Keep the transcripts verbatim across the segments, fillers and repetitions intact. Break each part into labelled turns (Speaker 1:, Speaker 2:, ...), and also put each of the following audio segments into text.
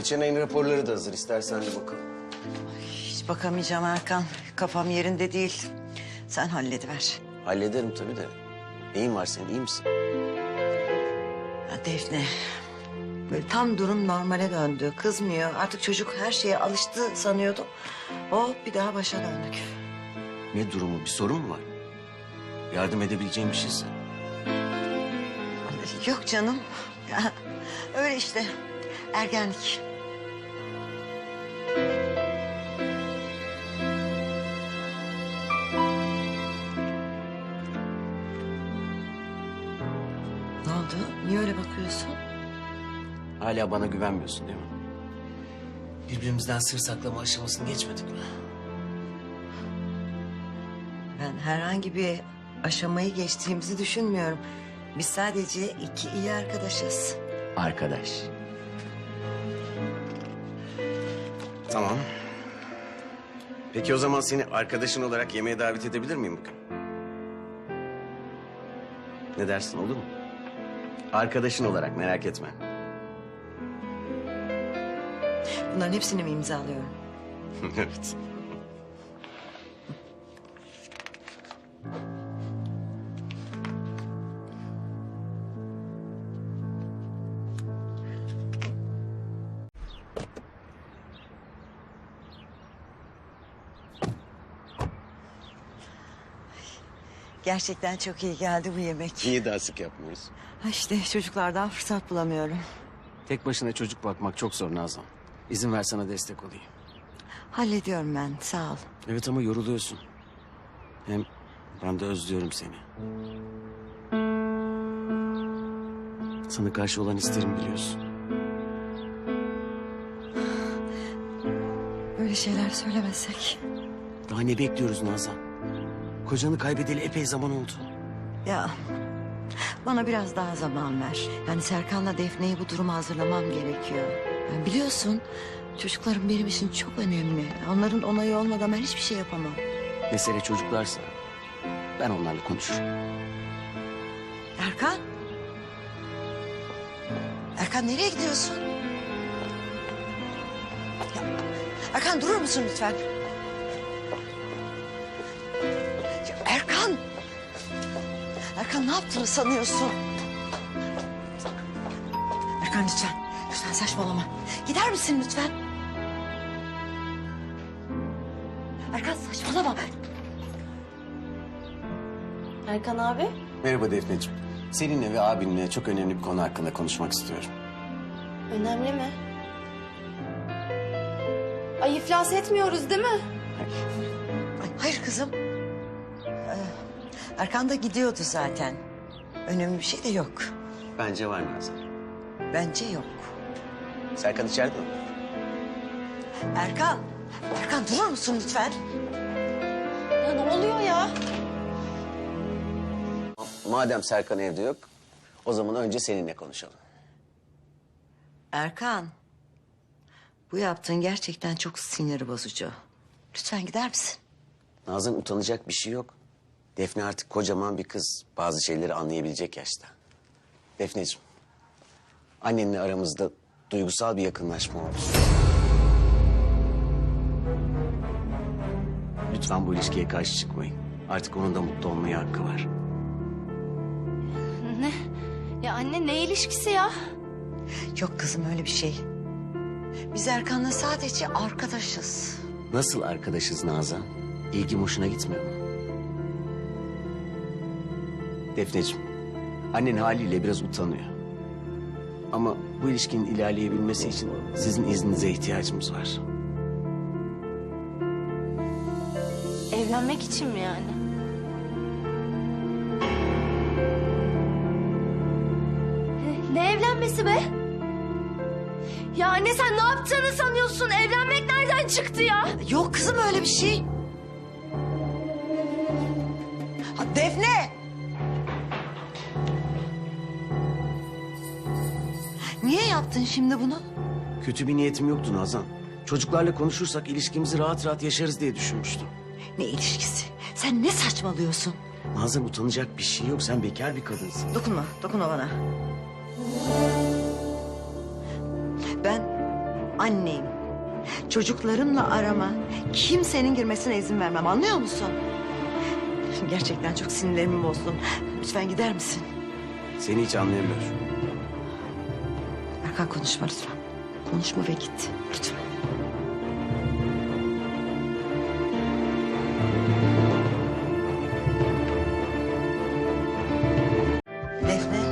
Speaker 1: Geçen ayın raporları da hazır. İstersen de bakalım.
Speaker 2: Hiç bakamayacağım Erkan. Kafam yerinde değil. Sen hallediver.
Speaker 1: Hallederim tabii de. Neyin var senin, iyi misin?
Speaker 2: Ya Defne, böyle tam durum normale döndü. Kızmıyor. Artık çocuk her şeye alıştı sanıyordum. Oh, bir daha başa döndük.
Speaker 1: Ne durumu, bir sorun mu var? Yardım edebileceğim bir şeyse.
Speaker 2: Yok canım. Ya, öyle işte. Ergenlik. Ne oldu? Niye öyle bakıyorsun?
Speaker 1: Hala bana güvenmiyorsun değil mi? Birbirimizden sır saklama aşamasını geçmedik mi?
Speaker 2: Ben herhangi bir aşamayı geçtiğimizi düşünmüyorum. Biz sadece iki iyi arkadaşız.
Speaker 1: Arkadaş. Tamam. Peki o zaman seni arkadaşın olarak yemeğe davet edebilir miyim bugün? Ne dersin, olur mu? Arkadaşın olarak, merak etme.
Speaker 2: Bunların hepsini mi imzalıyorum?
Speaker 1: Evet.
Speaker 2: Gerçekten çok iyi geldi bu yemek.
Speaker 1: Niye daha sık yapmıyoruz?
Speaker 2: Ha işte çocuklardan fırsat bulamıyorum.
Speaker 1: Tek başına çocuk bakmak çok zor Nazan. İzin ver sana destek olayım.
Speaker 2: Hallediyorum ben, sağ ol.
Speaker 1: Evet ama yoruluyorsun. Hem ben de özlüyorum seni. Sana karşı olan isterim biliyorsun.
Speaker 2: Böyle şeyler söylemesek.
Speaker 1: Daha ne bekliyoruz Nazan? Kocanı kaybedeli epey zaman oldu.
Speaker 2: Ya bana biraz daha zaman ver. Yani Serkan'la Defne'yi bu duruma hazırlamam gerekiyor. Yani biliyorsun çocuklarım benim için çok önemli. Onların onayı olmadan ben hiçbir şey yapamam.
Speaker 1: Mesele çocuklarsa ben onlarla konuşurum.
Speaker 2: Erkan? Erkan nereye gidiyorsun? Ya, Erkan durur musun lütfen? Ya, Erkan! Erkan ne yaptığını sanıyorsun? Erkan lütfen, lütfen saçmalama. Gider misin lütfen? Erkan saçmalama.
Speaker 3: Erkan abi.
Speaker 1: Merhaba Defneciğim. Seninle ve abinle çok önemli bir konu hakkında konuşmak istiyorum.
Speaker 3: Önemli mi? Ay iflas etmiyoruz değil mi?
Speaker 2: Ay, hayır kızım. Ee, Erkan da gidiyordu zaten. Önemli bir şey de yok.
Speaker 1: Bence var Nazan.
Speaker 2: Bence yok.
Speaker 1: Serkan içeride mi?
Speaker 2: Erkan, Erkan durur musun lütfen?
Speaker 3: Ya ne oluyor ya?
Speaker 1: Madem Serkan evde yok, o zaman önce seninle konuşalım.
Speaker 2: Erkan, bu yaptığın gerçekten çok sinir bozucu. Lütfen gider misin?
Speaker 1: Nazan utanacak bir şey yok. Defne artık kocaman bir kız. Bazı şeyleri anlayabilecek yaşta. Defneciğim, annenle aramızda duygusal bir yakınlaşma oldu. Lütfen bu ilişkiye karşı çıkmayın. Artık onun da mutlu olmaya hakkı var.
Speaker 3: Ne? Ya anne ne ilişkisi ya?
Speaker 2: Yok kızım öyle bir şey. Biz Erkan'la sadece arkadaşız.
Speaker 1: Nasıl arkadaşız Nazan? İlgim hoşuna gitmiyor mu? Defneciğim, annen haliyle biraz utanıyor. Ama bu ilişkinin ilerleyebilmesi için sizin izninize ihtiyacımız var.
Speaker 3: Evlenmek için mi yani? Ne evlenmesi be? Ya anne sen ne yaptığını sanıyorsun? Evlenmek nereden çıktı ya?
Speaker 2: Yok kızım öyle bir şey. Ha, Defne! Niye yaptın şimdi bunu?
Speaker 1: Kötü bir niyetim yoktu Nazan. Çocuklarla konuşursak ilişkimizi rahat rahat yaşarız diye düşünmüştüm.
Speaker 2: Ne ilişkisi? Sen ne saçmalıyorsun?
Speaker 1: Nazan utanacak bir şey yok. Sen bekar bir kadınsın.
Speaker 2: Dokunma, dokunma bana. Ben anneyim. Çocuklarımla arama kimsenin girmesine izin vermem, anlıyor musun? Gerçekten çok sinirlerimi bozdun. Lütfen gider misin?
Speaker 1: Seni hiç anlayamıyorum.
Speaker 2: Erkan konuşma lütfen. Konuşma ve git lütfen. Defne.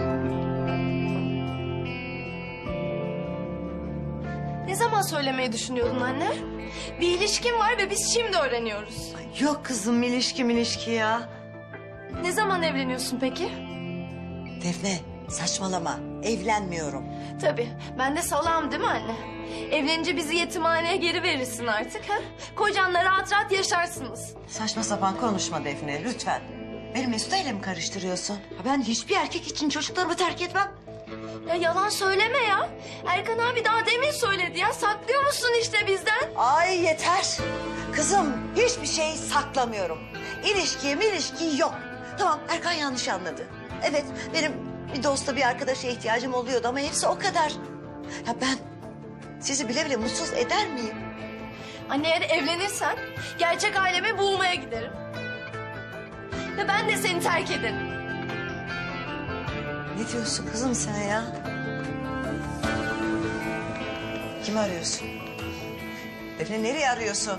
Speaker 3: Ne zaman söylemeyi düşünüyordun anne? Bir ilişkin var ve biz şimdi öğreniyoruz.
Speaker 2: Ay, yok kızım ilişki milişki ya.
Speaker 3: Ne zaman evleniyorsun peki?
Speaker 2: Defne saçmalama. Evlenmiyorum.
Speaker 3: Tabii. Ben de salam değil mi anne? Evlenince bizi yetimhaneye geri verirsin artık ha? Kocanla rahat rahat yaşarsınız.
Speaker 2: Saçma sapan konuşma Defne lütfen. Beni Mesut'a ile mi karıştırıyorsun? Ha, ben hiçbir erkek için çocuklarımı terk etmem.
Speaker 3: Ya yalan söyleme ya. Erkan abi daha demin söyledi ya. Saklıyor musun işte bizden?
Speaker 2: Ay yeter. Kızım hiçbir şey saklamıyorum. İlişki milişki yok. Tamam Erkan yanlış anladı. Evet benim bir dosta bir arkadaşa ihtiyacım oluyordu ama hepsi o kadar. Ya ben sizi bile bile mutsuz eder miyim?
Speaker 3: Anne eğer evlenirsen gerçek ailemi bulmaya giderim. Ve ben de seni terk ederim.
Speaker 2: Ne diyorsun kızım sen ya? Kimi arıyorsun? Defne nereye arıyorsun?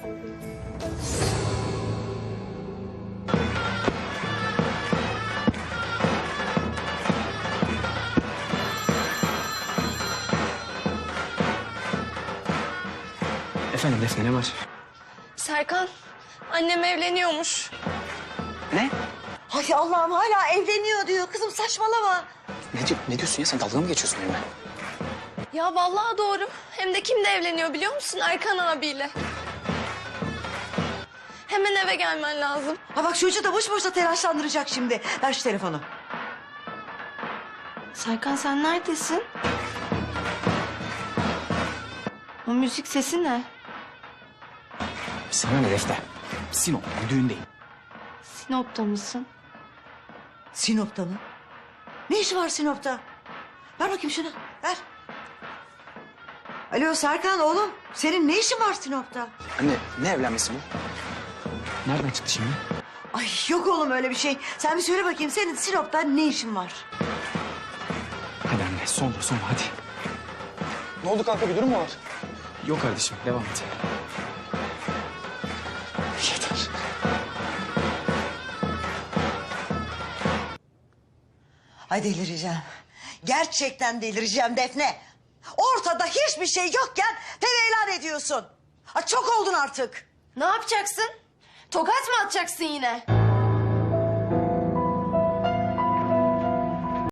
Speaker 4: Efendim Defne ne var?
Speaker 3: Serkan, annem evleniyormuş.
Speaker 4: Ne?
Speaker 2: Ay Allah'ım hala evleniyor diyor. Kızım saçmalama.
Speaker 4: Ne, diyor, ne diyorsun ya sen dalga mı geçiyorsun benimle?
Speaker 3: Ya vallahi doğru. Hem de kimle evleniyor biliyor musun? Erkan abiyle. Hemen eve gelmen lazım.
Speaker 2: Ha bak çocuğu da boş boşuna telaşlandıracak şimdi. Ver şu telefonu.
Speaker 3: Serkan sen neredesin? O müzik sesi ne?
Speaker 4: Sana ne Defne? Sinop'ta bir düğündeyim.
Speaker 3: Sinop'ta mısın?
Speaker 2: Sinop'ta mı? Ne işi var Sinop'ta? Ver bakayım şunu. Ver. Alo Serkan oğlum. Senin ne işin var Sinop'ta?
Speaker 4: Anne ne evlenmesi bu? Nereden çıktı şimdi?
Speaker 2: Ay yok oğlum öyle bir şey. Sen bir söyle bakayım senin Sinop'ta ne işin var?
Speaker 4: Hadi anne sonra sonra hadi. Ne oldu kanka bir durum mu var? Yok kardeşim devam et. Yeter.
Speaker 2: Ay delireceğim. Gerçekten delireceğim Defne. Ortada hiçbir şey yokken tevelan ediyorsun. Ha, çok oldun artık.
Speaker 3: Ne yapacaksın? Tokat mı atacaksın yine?